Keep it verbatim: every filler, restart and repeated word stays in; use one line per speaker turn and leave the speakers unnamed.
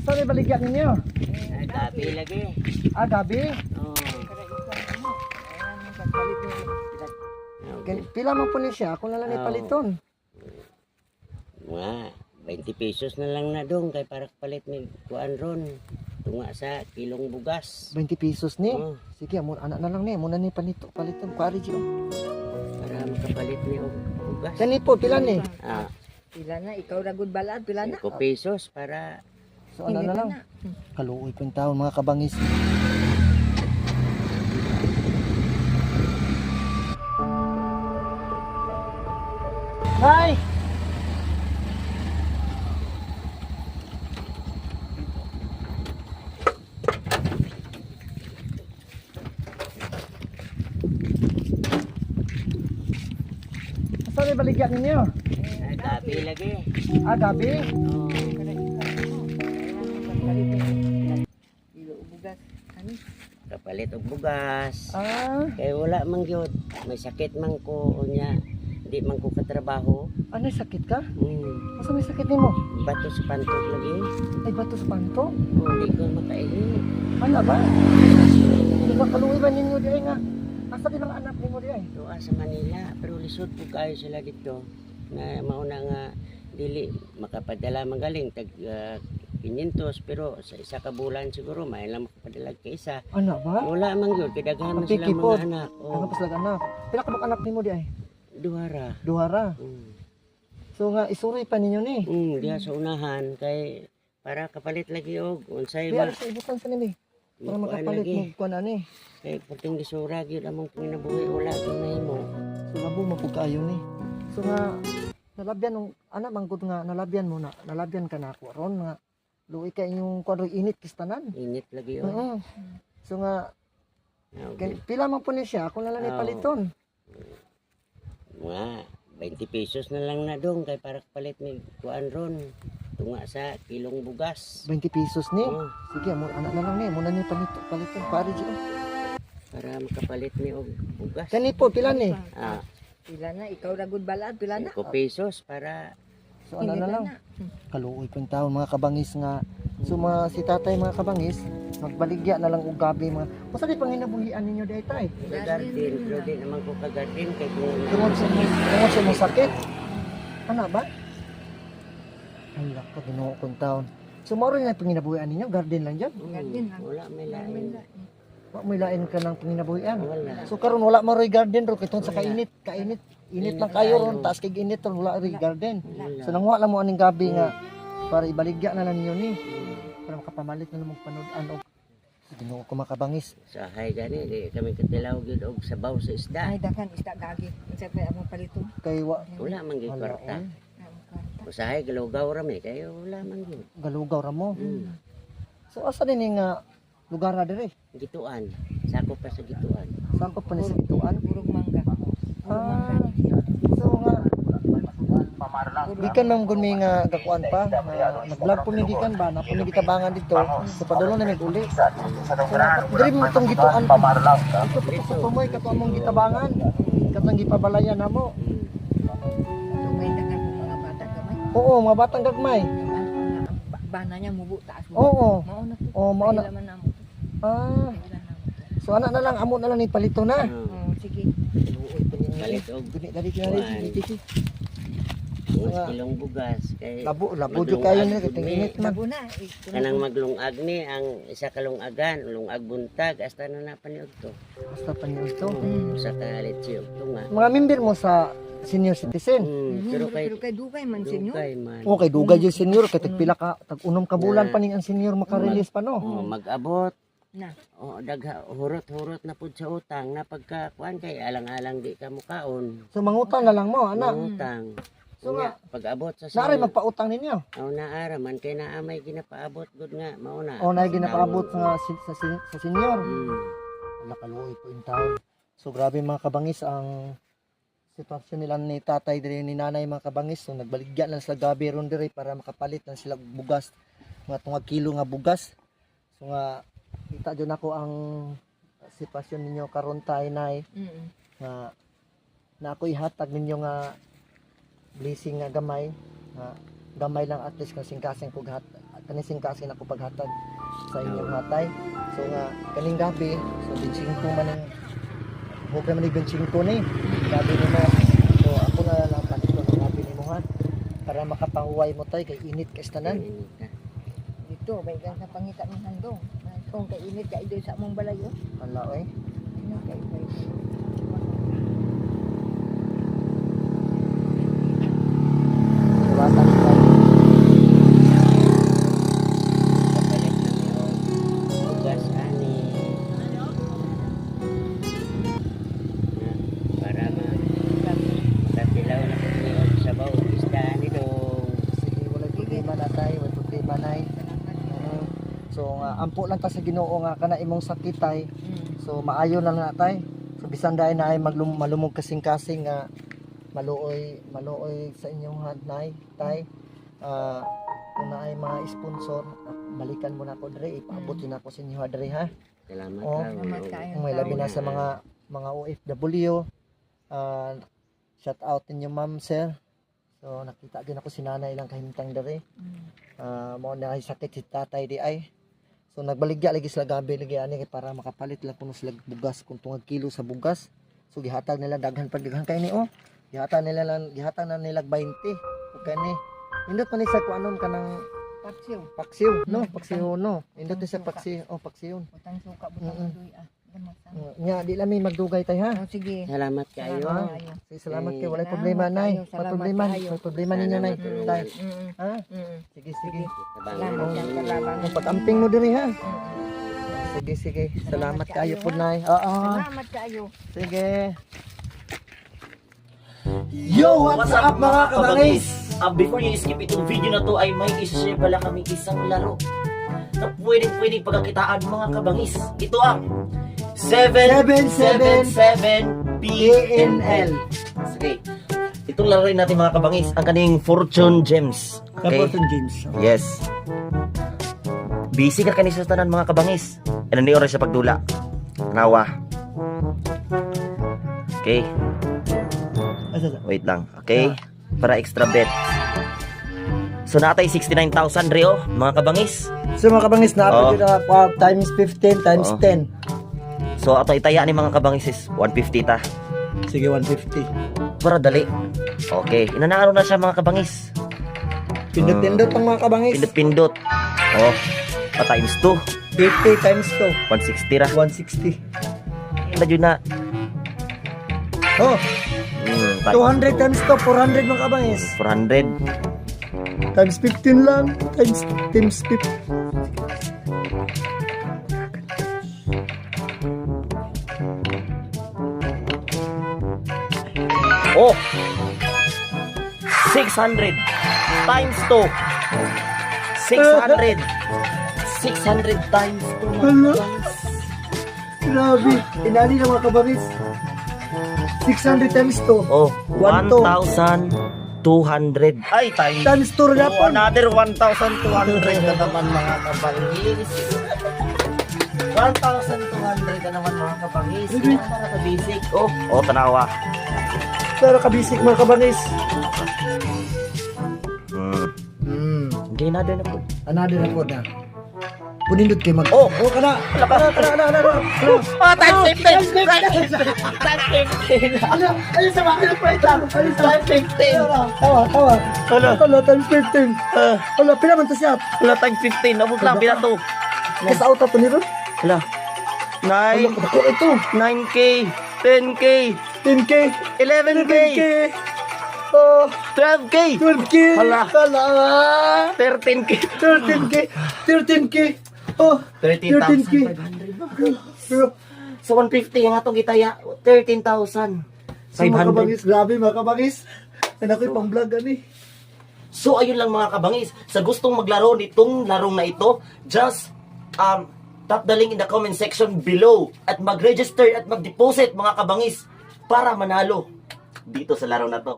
Saan may baligyan ninyo?
Ay, gabi lagi.
Ah, gabi?
Oo.
Gan- Pila man po ni siya, ako na lang
Oo.
ipaliton.
Mga twenty pesos na lang na dong kay para palit ni kuan ron. Tunga sa kilong bugas.
twenty pesos ni.
Oo.
Sige, amo anak na lang ni, muna ni panito, paliton, pari siya.
Para makapalit ni og bugas.
Kani po, pila ni?
Ah,
Pila na, ikaw ragod balad, pila na.
cinco pesos para
So ano na lang? Kaluoy po yung taon, mga kabangis. Hi! Saan may baligyan ninyo?
ay, gabi lagi.
Ah, gabi?
Oo.
Ilo ubugas. Ano?
Kapalit og bugas.
Ah,
Kay wala man gyud. May sakit man ko unya. Di man ko katrabaho.
ano sakit ka?
Hmm.
Asa may sakit nimo?
Bato sa pantok lagi.
Ay, bato sa panto?
Oh, di ko makainit.
Ano ba? Hindi ba kaluwi ba ninyo di ay nga? Asa din ang anak ninyo di ay?
Doa sa Manila, pero lisod po kayo sila dito na mauna nga dili makapadala magaling tag uh, quinientos pero sa isa ka bulan siguro may lang makapadala kay isa.
Ano ba?
Wala man gyud kay daghan man
Ang
sila
picky po.
mga anak.
Ano
Oh,
pa sila anak? Pila ka bang anak nimo di ay?
duhara.
Duhara.
Mm.
So nga isuroy pa ninyo ni.
Mm, diha sa unahan kay para kapalit lagi og unsay
Di
ba
alas sa ibutan sa nimi. Para
Kuan
makapalit
lagi.
mo kuan ani.
Kay puting gisura gyud among panginabuhi wala gyud nahimo.
So labo mo pud kaayo ni. So nga nalabyan nung anak manggod nga nalabyan mo na. Nalabyan ka na ako ron nga luoy ka inyong kuan init kistanan.
Init lagi oh.
Oo. So nga
Okay.
gan- pila man po ni siya, ako na lang
Oo.
ipaliton.
Mga twenty pesos na lang na dong kay para palit ni kuan ron. Tunga sa kilong bugas.
twenty pesos ni.
Oh,
Sige, mo anak na lang ni, muna ni panito, paliton, pari siya.
para makapalit ni og bugas.
Kani po pila ni.
Ah,
Pila na, ikaw ragod balad, pila na.
cinco pesos para
So ano na
Hindi
lang.
na.
Kaluoy po yung taon, mga kabangis nga. So mga si tatay mga kabangis, magbaligya na lang og gabi mga. Usa di panginabuhian ninyo di tay.
sa garden. Pero di naman ko ka-garden kay kung
Tungod sa tungod sa mong sakit. Ano ba? Ay, lako, ginoo kong taon. So, maro na panginabuhian ninyo, garden lang dyan.
Garden lang.
Wala may lain.
Wa mo ilain ka ng panginabuhian.
Wala.
So, karon wala mo rin garden ro, kitong sa kainit, kainit. Init lang kayo ron, taas kay init ron, wala rin garden.
Wala.
So, nangwa lang mo aning gabi nga, para ibaligya na lang ninyo ni. Para makapamalit na lang magpanood-an og ginoo ko makabangis.
Sa hay gani di kami katilaw gyud og sabaw sa isda.
Ay, dakan, isda gagi. Isa pa among palito.
Kay wa,
Wala man gyud
wala,
kwarta.
oy.
Usahay galugaw ra mi kayo wala man gyud.
Galugaw ra mo.
Hmm.
So, asa din yung nga lugar na dire?
Gituan. Sako pa sa gituan.
Saan pa pa ni sa gituan?
Purog mangga. Purog
Ah,
mangga.
so nga, gikan man gud mi nga gakuan pa, nga nag-vlog po mi gikan ba, na po mi gitabangan dito, so padulo na mi uli. So diri mo tong gituan pa. Ito pa sa tumoy kato among gitabangan. Katong gipabalayan namo.
Hmm.
Dugay dakan po mga bata gamay.
Oo, mga batang gagmay.
Ba- Bana niya mubo taas mo.
Oo.
Mao na to.
Oo, mao na.
Kailan man namo.
Ah,
Kailan namo.
so ana na lang amo na lang ni palito na.
Oh.
Oh, sige. Luoy pa niya.
Palit og
Guni dali dali dali.
Mas
Nga.
kilong bugas kay
Labo labo jud kayo ni kitong init man.
Labo na. eh,
kanang maglungag ni ang isa ka lungagan, lungag buntag hasta na napaniog to.
Basta pa niyo to.
Mm.
Usa ka litsi og tunga.
Mga member mo sa senior citizen.
Hmm, pero kay
Pero kay dugay man senyo.
dugay man.
Okay, dugay yung senior, kay tagpila ka, tag-unom ka bulan pa ning ang senior makarelease pa no.
Oh, mag-abot.
Na.
Oh, dagha hurot-hurot na pud sa utang na pagka kuan kay alang-alang di ka mukaon.
So mangutang na lang mo, ana.
Utang.
So
Nga, pag-abot sa
Naari
sunod,
magpautang ninyo.
oh, naara man kay naa may ginapaabot gud nga mao na.
O na ginapaabot sa, si- sa, si- sa senior.
Hmm.
Nakaluoy po yung taon. So grabe mga kabangis ang sitwasyon nila ni tatay diri ni nanay mga kabangis. So nagbaligyan lang sa gabi ron diri para makapalit lang sila og bugas. Mga tungag kilo nga bugas. So nga kita jud nako ang sitwasyon ninyo karon tay nay
Mm.
nga na ako ihatag ninyo nga blessing nga gamay nga gamay lang at least kasing kasing kog hat kanising kasi ako paghatag sa inyong hatay. So nga kaning gabi, so twenty-five man ang hukay man ni twenty-five ni. Gabi ni mo. So ako na lang panito ng gabi ni mo ha. Para makapahuway mo tay kay init kay tanan.
Dito, may gan sa pangita ng handong. Kung kainit ka doon sa among balayo.
Hala oy.
Ano kay kay.
Watan tay.
Kapalit na yung bugas ani. Na, para ma makatilaw na po yung sabaw. Isda ni dong.
Sige wala problema na tay, wala problema nay. Mm. So nga ampo lang ta sa Ginoo nga kana imong sakit tay.
Mm.
So maayo na na tay. So bisan dahil na ay maglum malumog kasing-kasing nga maluoy maluoy sa inyong hanay tay. Ah kung na ay mga sponsor, balikan mo na ako dre, ipaabutin na ako sa inyo ha, dre ha.
Salamat
Oh.
ka.
Salamat kayo.
May labi na sa mga mga O F W. Ah shout out inyo ma'am sir. So nakita din ako si nanay lang kahimtang dre.
Mm.
Ah mao na ay sakit si tatay di ay. So nagbaligya lagi sila gabi lagi ani kay para makapalit lang kuno sila bugas kung tungag kilo sa bugas. So gihatag nila daghan pag daghan kay ni oh. Gihatag nila lang gihatag na nila twenty. Okay ni. Indot man ni sa kuanon kanang
Paksiw.
paksiw no, paksiw no. Indot ni sa paksiw, oh paksiw.
Butang suka, butang
Mm-mm.
adoy ah. Gamot ah.
Uh, nya di lang may magdugay tay ha.
Oh, sige.
Salamat kayo.
Salamat kayo.
Sige, salamat kay
Eh,
walay
salamat
problema nay.
kayo,
May
salamat
problema,
kayo.
may problema ninyo nay.
Salamat.
Tay.
Mm.
Ha?
Mm.
Sige sige.
Salamat yan sa laban.
Ang pag-amping mo diri ha.
Mm.
Sige sige. Salamat
Salamat
kayo
kayo,
po
ha?
nay. Oo.
Salamat kayo.
Sige. Yo, what's up mga kabangis?
Uh, before you skip itong video na to ay may isa-share pala kami isang laro na pwedeng pwedeng pagkakitaan mga kabangis. Ito ang seven seven seven P N L. Sige. Itong laro rin natin mga kabangis, ang kaning Fortune Gems. Okay?
James.
Yes. Busy ka kanisa sa tanan mga kabangis. Ano ni oras sa pagdula? Nawa. Okay. Wait lang. Okay. Para extra bet. So natay sixty-nine thousand Rio, mga kabangis.
So mga kabangis na
Oo.
upload na uh, times fifteen times
Oo.
ten.
So ato itaya ni mga kabangis is one fifty ta.
Sige one fifty.
Para dali. Okay, inanaaro na siya mga kabangis.
Pindot-pindot ang mga kabangis.
Pindot-pindot. Oh, pa times two,
fifty times two.
one sixty ra.
one sixty.
Ina jud na.
Oh,
Hmm, ta-
two hundred times two, four hundred mga kabangis.
four hundred.
Times fifteen lang. Times times fifteen.
Oh. six hundred times two. six hundred. six hundred times two. mga
Hello?
kabangis.
Grabe. Inani na mga kabangis. six hundred times two.
Oh,
One
one
two.
thousand two hundred. Ay, times
Times two na
Oh,
po.
another one thousand two hundred na naman mga kabangis. one thousand two hundred na naman mga kabangis. Yan para sa basic. Oh, oh tanawa.
Pero kabisik mga kabangis.
Hmm.
Hmm.
Okay, another na po.
Another na po na. Punindot kayo mag...
Oh,
Oh, kana! Kana, kana, kana, kana, kana!
oh, times fifteen! Times fifteen!
Ano? Ano sa mga pinapwait lang? Ano sa
Times fifteen!
Tawa, tawa.
Hala.
Hala, times fifteen.
Ah,
Hala, pinaman to siya.
wala times fifteen. Abot lang, pinato.
Kasi auto to ni Ron.
Hala.
Hala,
nine,
ako ito.
nine K, ten K,
ten K.
eleven
ten K.
K,
Oh,
twelve K,
twelve K.
Hala.
Hala.
thirteen K.
thirteen K. thirteen K. Oh,
thirteen
thirteen K.
thousand five hundred.
Pero,
So one fifty ang atong gitaya, thirteen thousand
sa
five
mga
hundred.
kabangis, grabe mga kabangis. Ano ko yung pang-vlog ani.
So ayun lang mga kabangis, sa gustong maglaro nitong larong na ito, just um tap the link in the comment section below at mag-register at mag-deposit mga kabangis para manalo dito sa laro na to.